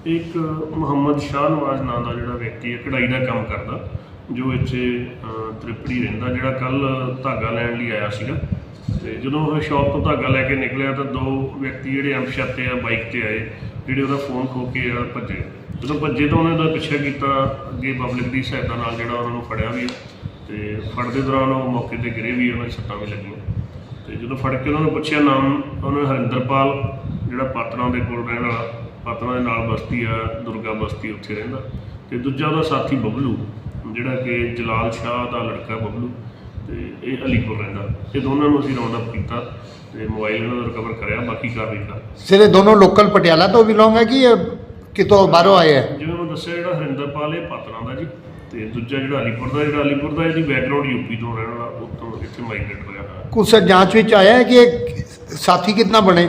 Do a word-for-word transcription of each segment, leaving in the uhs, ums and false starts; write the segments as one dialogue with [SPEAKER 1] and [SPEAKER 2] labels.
[SPEAKER 1] एक ਮੁਹੰਮਦ ਸ਼ਾਹ ਨਵਾਜ਼ ਨਾਂ ਦਾ ਜਿਹੜਾ ਵਿਅਕਤੀ ਹੈ ਕਢਾਈ ਦਾ ਕੰਮ ਕਰਦਾ ਜੋ ਇੱਥੇ ਤ੍ਰਿਪੜੀ ਰਹਿੰਦਾ, ਜਿਹੜਾ ਕੱਲ ਧਾਗਾ ਲੈਣ ਲਈ ਆਇਆ ਸੀਗਾ। ਤੇ ਜਦੋਂ ਉਹ ਸ਼ੌਪ ਤੋਂ ਧਾਗਾ ਲੈ ਕੇ ਨਿਕਲਿਆ ਤਾਂ ਦੋ ਵਿਅਕਤੀ ਜਿਹੜੇ ਅਣਪਛਾਤੇ ਆ ਬਾਈਕ ਤੇ ਆਏ, ਜਿਹੜੇ ਉਹਦਾ ਫੋਨ ਖੋ ਕੇ ਆ ਭੱਜੇ। ਜਦੋਂ ਭੱਜੇ ਤਾਂ ਉਹਨੇ ਉਹਦਾ ਪਿੱਛਾ ਕੀਤਾ, ਅੱਗੇ ਪਬਲਿਕ ਦੀ ਸਹਾਇਤਾ ਨਾਲ ਜਿਹੜਾ ਉਹਨਾਂ ਨੂੰ ਫੜਿਆ ਵੀ ਤੇ ਫੜਦੇ ਦੌਰਾਨ ਉਹ ਮੌਕੇ ਤੇ ਗਿਰੇ ਵੀ, ਉਹਨਾਂ ਦੀ ਸੱਟਾਂ ਵੀ ਲੱਗੀਆਂ। ਤੇ ਜਦੋਂ ਫੜ ਕੇ ਉਹਨਾਂ ਨੂੰ ਪੁੱਛਿਆ ਨਾਮ, ਉਹਨਾਂ ਹਰਿੰਦਰਪਾਲ ਜਿਹੜਾ ਪਾਤੜਾਂ ਦੇ ਕੋਲ ਰਹਿਣ ਵਾਲਾ, ਪਾਤੜਾਂ ਦੇ ਨਾਲ ਬਸਤੀ ਆ ਦੁਰਗਾ ਬਸਤੀ, ਉੱਥੇ ਰਹਿੰਦਾ। ਤੇ ਦੂਜਾ ਉਹਦਾ ਸਾਥੀ ਬਬਲੂ ਜਿਹੜਾ ਕਿ ਜਲਾਲ ਸ਼ਾਹ ਦਾ ਲੜਕਾ ਬਬਲੂ, ਤੇ ਇਹ ਅਲੀਪੁਰ ਰਹਿੰਦਾ। ਇਹ ਦੋਨਾਂ ਨੂੰ ਅਸੀਂ ਰਾਉਂਡ ਅਪ ਕੀਤਾ ਤੇ ਮੋਬਾਈਲ ਇਹਨਾਂ ਦਾ ਰਿਕਵਰ ਕਰਿਆ, ਬਾਕੀ ਕਾਰਵਾਈ ਕਰ।
[SPEAKER 2] ਸਰ ਇਹ ਦੋਨੋਂ ਲੋਕਲ ਪਟਿਆਲਾ ਤੋਂ ਬਿਲੋਂਗ ਹੈ ਕਿ ਇਹ ਕਿਤੋਂ ਬਾਹਰੋਂ ਆਏ ਹੈ?
[SPEAKER 1] ਜਿਵੇਂ ਮੈਂ ਦੱਸਿਆ, ਜਿਹੜਾ ਹਰਿੰਦਰਪਾਲ ਇਹ ਪਾਤੜਾਂ ਦਾ ਜੀ, ਤੇ ਦੂਜਾ ਜਿਹੜਾ ਅਲੀਪੁਰ ਦਾ, ਜਿਹੜਾ ਅਲੀਪੁਰ ਦਾ ਇਹਦੀ ਬੈਕਗਰਾਊਂਡ ਯੂਪੀ ਤੋਂ ਰਹਿਣ ਵਾਲਾ, ਉੱਥੋਂ ਇੱਥੇ ਮਾਈਗ੍ਰੇਟ ਹੋਇਆ ਹੋਇਆ।
[SPEAKER 2] ਕੁਛ ਸਰ ਜਾਂਚ ਵਿੱਚ ਆਇਆ ਹੈ ਕਿ ਇਹ ਸਾਥੀ ਕਿਤਨਾ ਬਣੇ?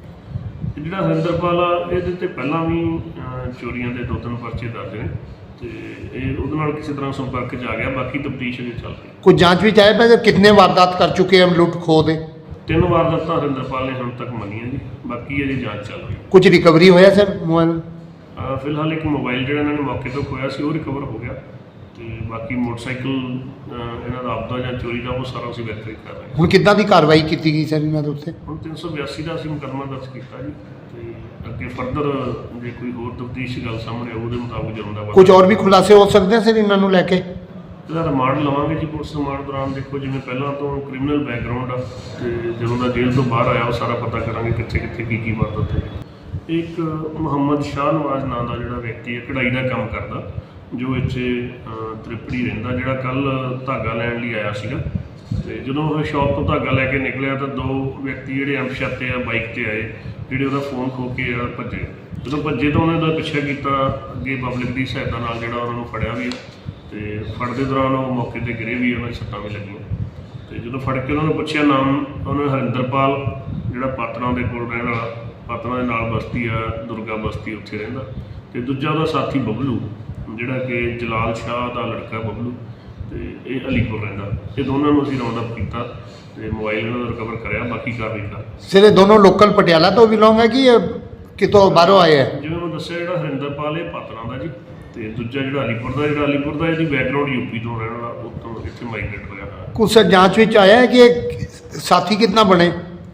[SPEAKER 1] ਜਿਹੜਾ ਹਰਿੰਦਰਪਾਲ ਆ ਇਹਦੇ ਤੇ ਪਹਿਲਾਂ ਵੀ ਚੋਰੀਆਂ ਦੇ ਦੋ ਤਿੰਨ ਪਰਚੇ ਦਰਜ ਨੇ, ਤੇ ਇਹ ਉਹਦੇ ਨਾਲ ਕਿਸੇ ਤਰ੍ਹਾਂ ਸੰਪਰਕ 'ਚ ਆ ਗਿਆ। ਬਾਕੀ ਤਫਤੀਸ਼ ਅਜੇ ਚੱਲ ਰਹੀ।
[SPEAKER 2] ਕੁਝ ਜਾਂਚ ਵਿੱਚ ਆਇਆ ਹੈ ਕਿਤਨੇ ਵਾਰਦਾਤ ਕਰ ਚੁੱਕੇ ਹਨ ਲੁੱਟ ਖੋਹ ਦੇ?
[SPEAKER 1] ਤਿੰਨ ਵਾਰਦਾਤਾਂ ਹਰਿੰਦਰਪਾਲ ਨੇ ਹੁਣ ਤੱਕ ਮੰਨੀਆਂ ਜੀ, ਬਾਕੀ ਅਜੇ ਜਾਂਚ ਚੱਲ ਰਹੀ।
[SPEAKER 2] ਕੁਝ ਰਿਕਵਰੀ ਹੋਇਆ ਸਰ ਮੋਬਾਈਲ?
[SPEAKER 1] ਫਿਲਹਾਲ ਇੱਕ ਮੋਬਾਈਲ ਜਿਹੜਾ ਇਹਨਾਂ ਨੇ ਮੌਕੇ ਤੋਂ ਖੋਇਆ ਸੀ ਉਹ ਰਿਕਵਰ ਹੋ ਗਿਆ, ਤੇ ਬਾਕੀ ਮੋਟਰਸਾਈਕਲ ਇਹਨਾਂ ਦਾ ਆਪਦਾ ਜਾਂ ਚੋਰੀ ਦਾ ਉਹ ਸਾਰਾ ਅਸੀਂ ਵੈਰੀਫਾਈ ਕਰ ਰਹੇ ਹਾਂ।
[SPEAKER 2] ਹੁਣ ਕਿੱਦਾਂ ਦੀ ਕਾਰਵਾਈ ਕੀਤੀ ਗਈ ਸਰ ਇਹਨਾਂ ਦੇ ਉੱਤੇ?
[SPEAKER 1] ਹੁਣ ਤਿੰਨ ਸੌ ਬਿਆਸੀ ਦਾ ਅਸੀਂ ਮੁਕੱਦਮਾ ਦਰਜ ਕੀਤਾ ਜੀ, ਤੇ ਅੱਗੇ ਫਰਦਰ ਜੇ ਕੋਈ ਹੋਰ ਤਫਤੀਸ਼ ਗੱਲ ਸਾਹਮਣੇ ਆਊ ਉਹਦੇ ਮੁਤਾਬਕ ਜੁਰਮ ਦਾ
[SPEAKER 2] ਕੁਝ ਹੋਰ ਵੀ ਖੁਲਾਸੇ ਹੋ ਸਕਦੇ ਸਰ ਇਹਨਾਂ ਨੂੰ ਲੈ ਕੇ?
[SPEAKER 1] ਇਹਦਾ ਰਿਮਾਂਡ ਲਵਾਂਗੇ ਜੀ ਪੁਲਿਸ ਰਿਮਾਂਡ ਦੌਰਾਨ। ਦੇਖੋ ਜਿਵੇਂ ਪਹਿਲਾਂ ਤੋਂ ਕ੍ਰਿਮੀਨਲ ਬੈਕਗਰਾਊਂਡ ਆ, ਤੇ ਜਦੋਂ ਦਾ ਜੇਲ੍ਹ ਤੋਂ ਬਾਹਰ ਆਇਆ ਉਹ ਸਾਰਾ ਪਤਾ ਕਰਾਂਗੇ ਕਿੱਥੇ ਕਿੱਥੇ ਕੀ ਕੀ ਵਾਰਦਾਤ ਹੈ। ਇੱਕ ਮੁਹੰਮਦ ਸ਼ਾਹ ਨਵਾਜ਼ ਨਾਂ ਦਾ ਜਿਹੜਾ ਵਿਅਕਤੀ ਹੈ ਕਢਾਈ ਦਾ ਕੰਮ ਕਰਦਾ ਜੋ ਇੱਥੇ ਤ੍ਰਿਪੜੀ ਰਹਿੰਦਾ, ਜਿਹੜਾ ਕੱਲ ਧਾਗਾ ਲੈਣ ਲਈ ਆਇਆ ਸੀਗਾ। ਤੇ ਜਦੋਂ ਉਹ ਸ਼ੌਪ ਤੋਂ ਧਾਗਾ ਲੈ ਕੇ ਨਿਕਲਿਆ ਤਾਂ ਦੋ ਵਿਅਕਤੀ ਜਿਹੜੇ ਅਣਪਛਾਤੇ ਆ ਬਾਈਕ ਤੇ ਆਏ, ਜਿਹੜੇ ਉਹਦਾ ਫੋਨ ਖੋ ਕੇ ਆ ਭੱਜੇ। ਜਦੋਂ ਭੱਜੇ ਤਾਂ ਉਹਨੇ ਉਹਦਾ ਪਿੱਛਾ ਕੀਤਾ, ਅੱਗੇ ਪਬਲਿਕ ਦੀ ਸਹਾਇਤਾ ਨਾਲ ਜਿਹੜਾ ਉਹਨਾਂ ਨੂੰ ਫੜਿਆ ਵੀ, ਤੇ ਫੜਦੇ ਦੌਰਾਨ ਉਹ ਮੌਕੇ ਤੇ ਗਿਰੇ ਵੀ, ਉਹਨਾਂ ਦੀ ਸੱਟਾਂ ਵੀ ਲੱਗੀਆਂ। ਤੇ ਜਦੋਂ ਫੜ ਕੇ ਉਹਨਾਂ ਨੂੰ ਪੁੱਛਿਆ ਨਾਮ, ਉਹਨਾਂ ਹਰਿੰਦਰਪਾਲ ਜਿਹੜਾ ਪਾਤੜਾਂ ਦੇ ਕੋਲ ਰਹਿਣ ਵਾਲਾ, ਪਾਤੜਾਂ ਦੇ ਨਾਲ ਬਸਤੀ ਆ ਦੁਰਗਾ ਬਸਤੀ, ਉੱਥੇ ਰਹਿੰਦਾ। ਤੇ ਦੂਜਾ ਉਹਦਾ ਸਾਥੀ ਬਬਲੂ ਜਿਹੜਾ ਕਿ ਜਲਾਲ ਸ਼ਾਹ ਦਾ ਲੜਕਾ ਬਬਲੂ, ਤੇ ਇਹ ਅਲੀਪੁਰ ਰਹਿੰਦਾ। ਇਹ ਦੋਨਾਂ ਨੂੰ ਅਸੀਂ ਰਾਉਂਡ ਅਪ ਕੀਤਾ ਤੇ ਮੋਬਾਈਲ ਇਹਨਾਂ ਦਾ ਰਿਕਵਰ ਕਰਿਆ, ਬਾਕੀ ਕਾਰਵਾਈ ਕਰ।
[SPEAKER 2] ਸਰ ਇਹ ਦੋਨੋਂ ਲੋਕਲ ਪਟਿਆਲਾ ਤੋਂ ਬਿਲੋਂਗ ਹੈ ਕਿ ਇਹ ਕਿਤੋਂ ਬਾਹਰੋਂ ਆਏ ਹੈ?
[SPEAKER 1] ਜਿਵੇਂ ਮੈਂ ਦੱਸਿਆ, ਜਿਹੜਾ ਹਰਿੰਦਰਪਾਲ ਇਹ ਪਾਤੜਾਂ ਦਾ ਜੀ, ਤੇ ਦੂਜਾ ਜਿਹੜਾ ਅਲੀਪੁਰ ਦਾ, ਜਿਹੜਾ ਅਲੀਪੁਰ ਦਾ ਇਹਦੀ ਬੈਕਗਰਾਊਂਡ ਯੂਪੀ ਤੋਂ ਰਹਿਣ ਵਾਲਾ, ਉੱਥੋਂ ਇੱਥੇ ਮਾਈਗ੍ਰੇਟ ਹੋਇਆ ਹੋਇਆ।
[SPEAKER 2] ਕੁਛ ਸਰ ਜਾਂਚ ਵਿੱਚ ਆਇਆ ਹੈ ਕਿ ਇਹ ਸਾਥੀ ਕਿਤਨਾ ਬਣੇ?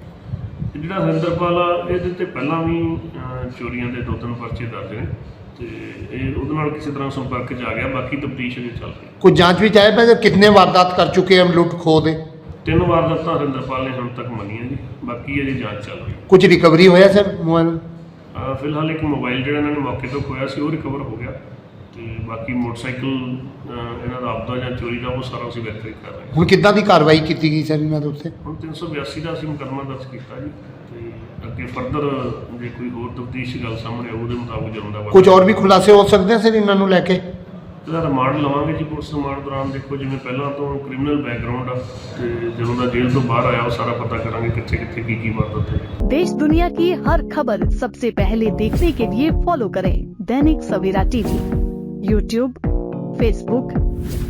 [SPEAKER 1] ਜਿਹੜਾ ਹਰਿੰਦਰਪਾਲ ਆ ਇਹਦੇ ਤੇ ਪਹਿਲਾਂ ਵੀ ਚੋਰੀਆਂ ਦੇ ਦੋ ਤਿੰਨ ਪਰਚੇ ਦਰਜ ਨੇ, ਤੇ ਇਹ ਉਹਦੇ ਨਾਲ ਕਿਸੇ ਤਰ੍ਹਾਂ ਸੰਪਰਕ 'ਚ ਆ ਗਿਆ। ਬਾਕੀ ਤਫਤੀਸ਼ ਅਜੇ ਚੱਲ ਰਹੀ।
[SPEAKER 2] ਕੁਝ ਜਾਂਚ ਵਿੱਚ ਆਇਆ ਹੈ ਕਿਤਨੇ ਵਾਰਦਾਤ ਕਰ ਚੁੱਕੇ ਹਨ ਲੁੱਟ ਖੋਹ ਦੇ?
[SPEAKER 1] ਤਿੰਨ ਵਾਰਦਾਤਾਂ ਹਰਿੰਦਰਪਾਲ ਨੇ ਹੁਣ ਤੱਕ ਮੰਨੀਆਂ ਜੀ, ਬਾਕੀ ਅਜੇ ਜਾਂਚ ਚੱਲ ਰਹੀ।
[SPEAKER 2] ਕੁਝ ਰਿਕਵਰੀ ਹੋਇਆ ਸਰ ਮੋਬਾਈਲ?
[SPEAKER 1] ਫਿਲਹਾਲ ਇੱਕ ਮੋਬਾਈਲ ਜਿਹੜਾ ਇਹਨਾਂ ਨੇ ਮੌਕੇ ਤੋਂ ਖੋਇਆ ਸੀ ਉਹ ਰਿਕਵਰ ਹੋ ਗਿਆ, ਤੇ ਬਾਕੀ ਮੋਟਰਸਾਈਕਲ ਇਹਨਾਂ ਦਾ ਆਪਦਾ ਜਾਂ ਚੋਰੀ ਦਾ ਉਹ ਸਾਰਾ ਅਸੀਂ ਵੈਰੀਫਾਈ ਕਰ ਰਹੇ ਹਾਂ।
[SPEAKER 2] ਹੁਣ ਕਿੱਦਾਂ ਦੀ ਕਾਰਵਾਈ ਕੀਤੀ ਗਈ ਸਰ ਇਹਨਾਂ ਦੇ ਉੱਤੇ?
[SPEAKER 1] ਹੁਣ ਤਿੰਨ ਸੌ ਬਿਆਸੀ ਦਾ ਅਸੀਂ ਮੁਕੱਦਮਾ ਦਰਜ ਕੀਤਾ ਜੀ, ਤੇ ਅੱਗੇ ਫਰਦਰ ਜੇ ਕੋਈ ਹੋਰ ਤਫਤੀਸ਼ ਗੱਲ ਸਾਹਮਣੇ ਆਊ ਉਹਦੇ ਮੁਤਾਬਕ ਜੁਰਮ ਦਾ।
[SPEAKER 2] ਕੁਝ ਹੋਰ ਵੀ ਖੁਲਾਸੇ ਹੋ ਸਕਦੇ ਸਰ ਇਹਨਾਂ ਨੂੰ ਲੈ ਕੇ?
[SPEAKER 1] ਇਹਦਾ ਰਿਮਾਂਡ ਲਵਾਂਗੇ ਜੀ ਪੁਲਿਸ ਰਿਮਾਂਡ ਦੌਰਾਨ। ਦੇਖੋ ਜਿਵੇਂ ਪਹਿਲਾਂ ਤੋਂ ਕ੍ਰਿਮੀਨਲ ਬੈਕਗਰਾਊਂਡ ਆ, ਤੇ ਜਦੋਂ ਦਾ ਜੇਲ੍ਹ ਤੋਂ ਬਾਹਰ ਆਇਆ ਉਹ ਸਾਰਾ ਪਤਾ ਕਰਾਂਗੇ ਕਿੱਥੇ ਕਿੱਥੇ ਕੀ ਕੀ वारदात है।
[SPEAKER 3] देश दुनिया की हर खबर सबसे पहले देखने के लिए फॉलो करें Dainik Savera TV, YouTube, Facebook,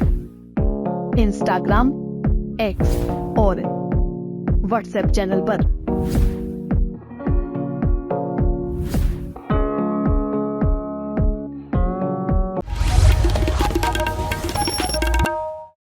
[SPEAKER 3] Instagram, X और व्हाट्सएप चैनल पर।